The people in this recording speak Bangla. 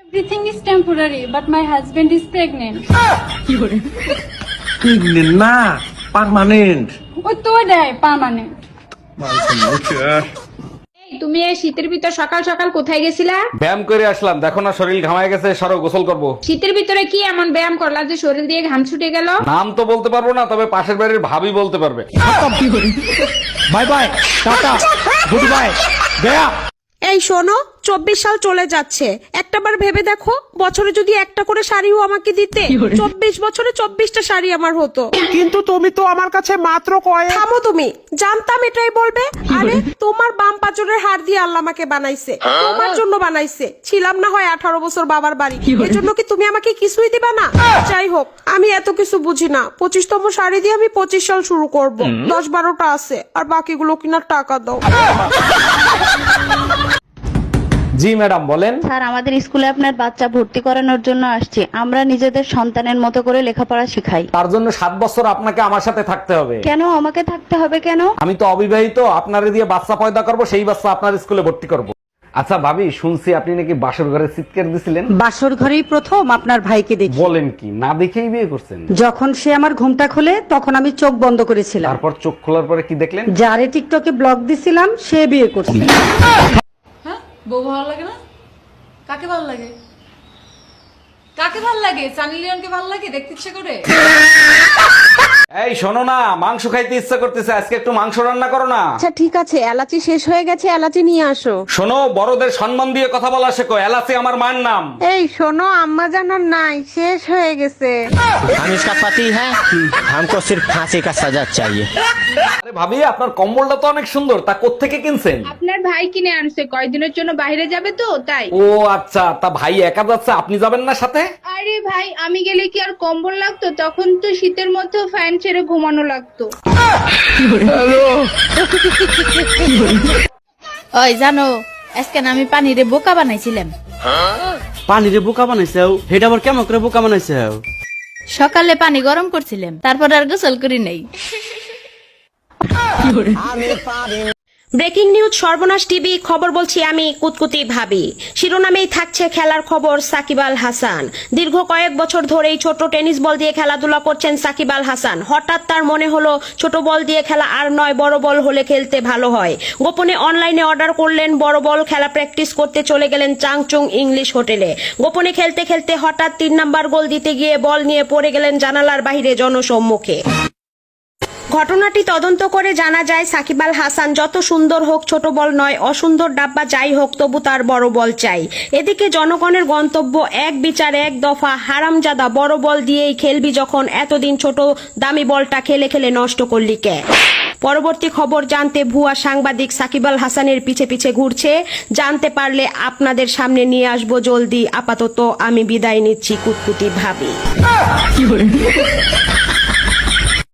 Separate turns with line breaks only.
Everything is temporary, but my husband is pregnant.
Pregnant না, পার্মানেন্ট।
ও তো দেয় পার্মানেন্ট।
তুমি এই শীতের ভিতর সকাল সকাল কোথায় গেছিলা?
ব্যায়াম করে আসলাম, দেখো না শরীর ঘামায় গেছে, সরো গোসল করব।
শীতের ভিতরে কি এমন ব্যায়াম করলা যে শরীর দিয়ে ঘাম ছুটে গেল?
নাম তো বলতে পারবো না, তবে পাশের বাড়ির ভাবি বলতে পারবে।
Bye bye, tata, goodbye, গয়া।
এই শোনো, 24 সাল চলে যাচ্ছে, একটাবার ভেবে দেখো, বছরে যদি একটা করে শাড়িও আমাকে দিতে, 24 বছরে 24টা শাড়ি আমার হতো।
কিন্তু তুমি তো আমার কাছে মাত্র কয়েক।
থামো তুমি, জানতাম এটাই বলবে। আরে তোমার বাম পাঁচরের হাড় দিয়ে আল্লাহ আমাকে বানাইছে, তোমার জন্য বানাইছে। ছিলাম না হয় 18 বছর বাবার বাড়ি, এজন্য কি তুমি আমাকে কিছুই দিবা না? যাই হোক, আমি এত কিছু বুঝি না। 25তম শাড়ি দিয়ে আমি 25 সাল শুরু করব। 10-12টা আছে, আর বাকিগুলো কিনার টাকা দাও।
জি ম্যাডাম বলেন।
স্যার, আমাদের স্কুলে আপনার বাচ্চা ভর্তি করানোর জন্য আসছি। আমরা নিজেদের সন্তানের মতো করে লেখাপড়া শেখাই।
তার জন্য 7 বছর আপনাকে আমার সাথে থাকতে হবে।
কেন আমাকে থাকতে হবে কেন?
আমি তো অবিবাহিত, আপনারে দিয়ে বাচ্চা পয়দা করব, সেই বাচ্চা আপনার স্কুলে ভর্তি করব। আচ্ছা ভাবি, শুনছি আপনি নাকি বাসর ঘরে চিৎকার দিছিলেন।
বাসর ঘরেই প্রথম আপনার ভাইকে দেখি।
বলেন কি, না দেখেই বিয়ে করছেন?
যখন সে আমার ঘুমটা খোলে তখন আমি চোখ বন্ধ করেছিলাম।
তারপর চোখ খোলার পরে কি দেখলেন?
যারে টিকটকে ব্লক দিছিলাম সে বিয়ে করছে।
হ্যাঁ, বউ ভালো লাগে না? কাকে ভালো লাগে? কাকে ভালো লাগে? সানি লিওনকে ভালো লাগে? দেখতে ইচ্ছে করে?
এই শোনো না, মাংস খাইতে ইচ্ছা করতেছে, আজকে একটু মাংস রান্না করো না।
আচ্ছা ঠিক আছে, এলাচি শেষ হয়ে গেছে, এলাচি নিয়ে আসো।
শোনো, বড়দের সম্মান দিয়ে কথা বলা শেখো, এলাচি আমার মায়ের নাম।
এই শোনো, আম্মা জানার নাই, শেষ হয়ে গেছে।
हम इसका पति है, हमको सिर्फ फांसी का सजा चाहिए।
আরে ভাবি, আপনার কম্বলটা তো অনেক সুন্দর, তা কোত্থেকে কিনছেন?
আপনার ভাই কিনে আনছে, কয়দিনের জন্য বাইরে যাবে তো তাই।
ও আচ্ছা, তা ভাই একা যাচ্ছে, আপনি যাবেন না সাথে?
আরে ভাই, আমি গেলে কি আর কম্বল লাগতো? তখন তো শীতের মধ্যেও ফ্যান ছেড়ে ঘুমানো লাগতো।
ওই জানো, আজকে না আমি পানিরে বোকা বানাইছিলাম।
পানিরে বোকা বানাইছাও? হেটা আবার কেমন করে বোকা বানাইছাও?
সকালে পানি গরম করছিলাম, তারপর আর গোসল করি নাই।
ব্রেকিং নিউজ সর্বনাশ টিভি খবর বলছি আমি কুতকুতি ভাবি। শিরোনামেই থাকছে খেলার খবর সাকিব আল হাসান। দীর্ঘ কয়েক বছর ধরেই ছোট টেনিস বল দিয়ে খেলাধুলা করছেন সাকিব আল হাসান। হঠাৎ তার মনে হলো ছোট বল দিয়ে খেলা আর নয়, বড় বল হলে খেলতে ভালো হয়। গোপনে অনলাইনে অর্ডার করলেন বড় বল, খেলা প্র্যাকটিস করতে চলে গেলেন চাংচুং ইংলিশ হোটেলে। গোপনে খেলতে খেলতে হঠাৎ 3 নাম্বার গোল দিতে গিয়ে বল নিয়ে পড়ে গেলেন জানালার বাইরে জনসম্মুখে। ঘটনাটি তদন্ত করে জানা যায় সাকিব আল হাসান যত সুন্দর হোক ছোট বল নয়, অসুন্দর ডাব্বা যাই হোক তবু তার বড় বল চাই। এদিকে জনগণের গন্তব্য এক বিচার এক দফা, হারামজাদা, বড় বল দিয়েই খেলবি যখন, এতদিন ছোট দামি বলটা খেলে খেলে নষ্ট করলি কে? পরবর্তী খবর জানতে ভুয়া সাংবাদিক সাকিব আল হাসানের পিছে পিছে ঘুরছে। জানতে পারলে আপনাদের সামনে নিয়ে আসবো জলদি। আপাতত আমি বিদায় নিচ্ছি কুতকুতি ভাবি।